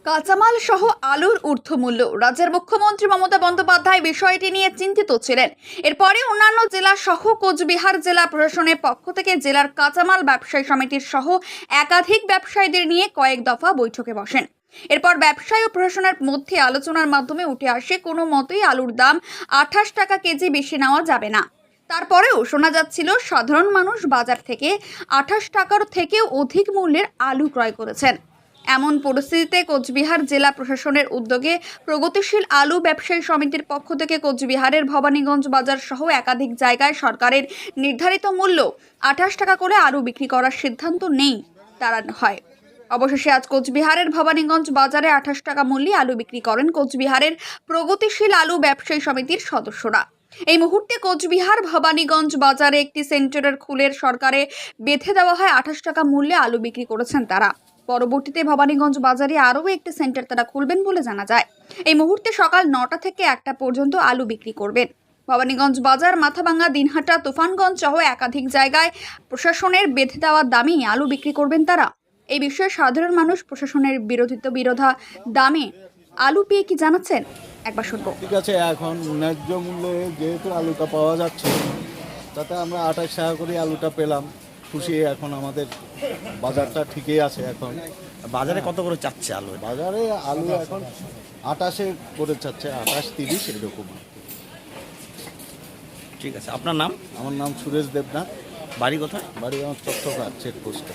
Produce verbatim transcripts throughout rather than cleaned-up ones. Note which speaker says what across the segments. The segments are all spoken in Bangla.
Speaker 1: কাঁচামাল সহ আলুর ঊর্ধ্বমূল্য। রাজ্যের মুখ্যমন্ত্রী মমতা বন্দ্যোপাধ্যায় বিষয়টি নিয়ে চিন্তিত ছিলেন। এরপরে অন্যান্য জেলা সহ কোচবিহার জেলা প্রশাসনের পক্ষ থেকে জেলার কাঁচামাল ব্যবসায়ী সমিতির সহ একাধিক ব্যবসায়ীদের নিয়ে কয়েক দফা বৈঠকে বসেন। এরপর ব্যবসায়ী ও প্রশাসনের মধ্যে আলোচনার মাধ্যমে উঠে আসে কোনো মতেই আলুর দাম আঠাশ টাকা কেজি বেশি নেওয়া যাবে না। তারপরেও শোনা যাচ্ছিল সাধারণ মানুষ বাজার থেকে আঠাশ টাকার থেকেও অধিক মূল্যের আলু ক্রয় করেছেন। এমন পরিস্থিতিতে কোচবিহার জেলা প্রশাসনের উদ্যোগে প্রগতিশীল আলু ব্যবসায়ী সমিতির পক্ষ থেকে কোচবিহারের ভবানীগঞ্জ বাজার সহ একাধিক জায়গায় সরকারের নির্ধারিত মূল্য আঠাশ টাকা করে আলু বিক্রি করার সিদ্ধান্ত নেই তারা হয়। অবশেষে আজ কোচবিহারের ভবানীগঞ্জ বাজারে আঠাশ টাকা মূল্যে আলু বিক্রি করেন কোচবিহারের প্রগতিশীল আলু ব্যবসায়ী সমিতির সদস্যরা। এই মুহূর্তে কোচবিহার ভবানীগঞ্জ বাজারে একটি সেন্টারের খুলের সরকারে বেঁধে দেওয়া হয় আঠাশ টাকা মূল্যে আলু বিক্রি করেছেন তারা। পরবর্তীতে ভবানীগঞ্জ বাজারে আরও একটি সেন্টার তারা খুলবেন বলে জানা যায়। এই মুহূর্তে সকাল নটা থেকে একটা পর্যন্ত আলু বিক্রি করবেন। ভবানীগঞ্জ বাজার, মাথাভাঙ্গা, দিনহাটা, তুফানগঞ্জ সহ একাধিক জায়গায় প্রশাসনের বেঁধে দেওয়া দামেই আলু বিক্রি করবেন তারা। এই বিষয়ে সাধারণ মানুষ প্রশাসনের বিরোধিত বিরোধা দামে আলু পেয়ে কি জানাচ্ছেন একবার শুনবো।
Speaker 2: ঠিক আছে, এখন ন্যায্য মূল্যে যেহেতু আলুটা পাওয়া যাচ্ছে তাতে আমরা আঠাশ টাকা করে আলুটা পেলাম, খুশি। এখন আমাদের বাজারটা ঠিকই আছে। এখন
Speaker 3: বাজারে কত করে চাচ্ছে আলু?
Speaker 2: বাজারে আলু এখন আটাশে করে চাচ্ছে, আটাশ তিরিশ এরকম।
Speaker 3: ঠিক আছে, আপনার নাম?
Speaker 2: আমার নাম সুরেশ দেবনাথ।
Speaker 3: বাড়ি কোথায়?
Speaker 2: বাড়ি আমার চট্টগ্রাম চেকপোস্টে।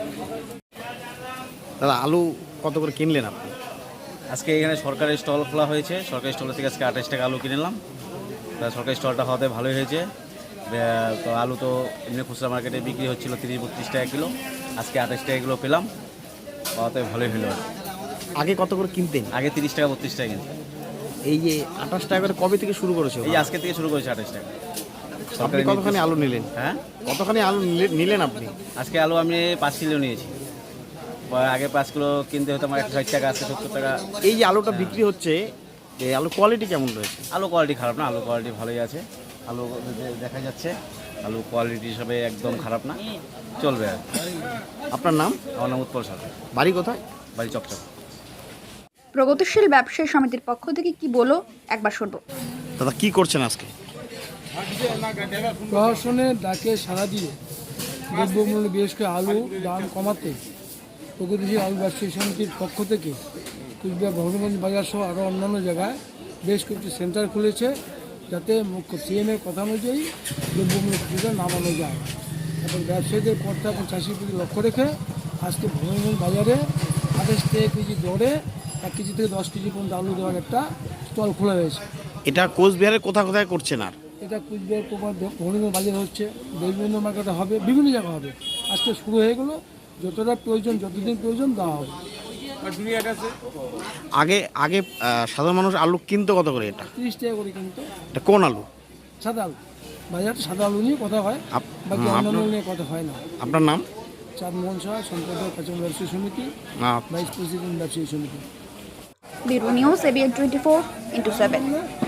Speaker 3: দাদা, আলু কত করে কিনলেন আপনি?
Speaker 4: আজকে এখানে সরকারি স্টল খোলা হয়েছে। সরকারি স্টল থেকে আজকে আঠাশ টাকা আলু কিনলাম। সরকারি স্টলটা হওয়াতে ভালোই হয়েছে। তো আলু তো এমনি খুচরা মার্কেটে বিক্রি হচ্ছিল তিরিশ বত্রিশ টাকা কিলো, আজকে আঠাশ টাকা কিলো পেলাম, হওয়াতে ভালোই হলো।
Speaker 3: আগে কত করে কিনতেন?
Speaker 4: আগে তিরিশ টাকা বত্রিশ টাকা কিনতে।
Speaker 3: এই যে আঠাশ টাকা করে কবে থেকে শুরু করেছে?
Speaker 4: এই আজকে থেকে শুরু করেছে আঠাশ টাকা।
Speaker 3: আপনি কতখানি আলু নিলেন?
Speaker 4: হ্যাঁ,
Speaker 3: কতখানি আলু নিলেন আপনি?
Speaker 4: আজকে আলু আমি পাঁচ কিলো নিয়েছি। আগে পাঁচ কিলো কিনতে হতো আমার একশো ষাট টাকা, আজকে সত্তর টাকা।
Speaker 3: এই যে আলুটা বিক্রি হচ্ছে, এই আলু কোয়ালিটি কেমন রয়েছে?
Speaker 4: আলু কোয়ালিটি খারাপ না, আলু কোয়ালিটি ভালোই আছে। আলু দেখা যাচ্ছে আলু কোয়ালিটি হিসাবে একদম খারাপ না, চলবে আর।
Speaker 3: আপনার নাম?
Speaker 4: আমার নাম উৎপল সরকার।
Speaker 3: বাড়ি কোথায়?
Speaker 4: বাড়ি চকচক।
Speaker 1: প্রগতিশীল ব্যবসায়ী সমিতির পক্ষ থেকে কি বলো একবার শুনবো।
Speaker 3: দাদা, কি করছেন আজকে?
Speaker 5: প্রশাসনের ডাকে সাড়া দিয়ে দ্রব্যমূল্য বিশেষ করে আলু দাম কমাতে প্রগতিশীল আলু ব্যবসায়ী সমিতির পক্ষ থেকে কুচবিহার ভবানীগঞ্জ বাজার সহ আরও অন্যান্য জায়গায় বেশ কয়েকটি সেন্টার খুলেছে, যাতে মুখ্য সিএমের কথা অনুযায়ী দ্রব্যমূল্য কিছুটা নামানো যায়। এবং ব্যবসায়ীদের কর্তা এবং চাষির প্রতি লক্ষ্য রেখে আজকে ভবানীগঞ্জ বাজারে আঠাশ টাকা কেজি দরে এক কেজি থেকে দশ কেজি পর্যন্ত আলু দেওয়ার একটা স্টল খোলা হয়েছে।
Speaker 3: এটা কোচবিহারের কোথায় কোথায় করছেন? আর
Speaker 5: এটা কুচবিহার ভবানীগঞ্জ বাজারে হচ্ছে, বিভিন্ন মার্কেটে হবে, বিভিন্ন জায়গায় হবে। আজকে শুরু হয়ে গেলো, যতটা প্রয়োজন যতদিন প্রয়োজন দেওয়া হবে।
Speaker 3: আগে আগে সাধারণ মানুষ আলু কিনতো কত করে? এটা
Speaker 5: তিরিশ টাকা করে কিন্তু।
Speaker 3: এটা কোন আলু?
Speaker 5: সাদা আলু। বাজারে সাদা আলু নিয়ে কথা হয়, বাকি অন্যান্য নিয়ে কথা হয় না।
Speaker 3: আপনার নাম?
Speaker 5: চাঁদমোহন সাহা, সম্পাদক কাঁচামাল ব্যবসায়ী সমিতি, ভাইস প্রেসিডেন্ট ব্যবসায়ী সমিতি।
Speaker 1: Bureau news, ABN twenty four into seven.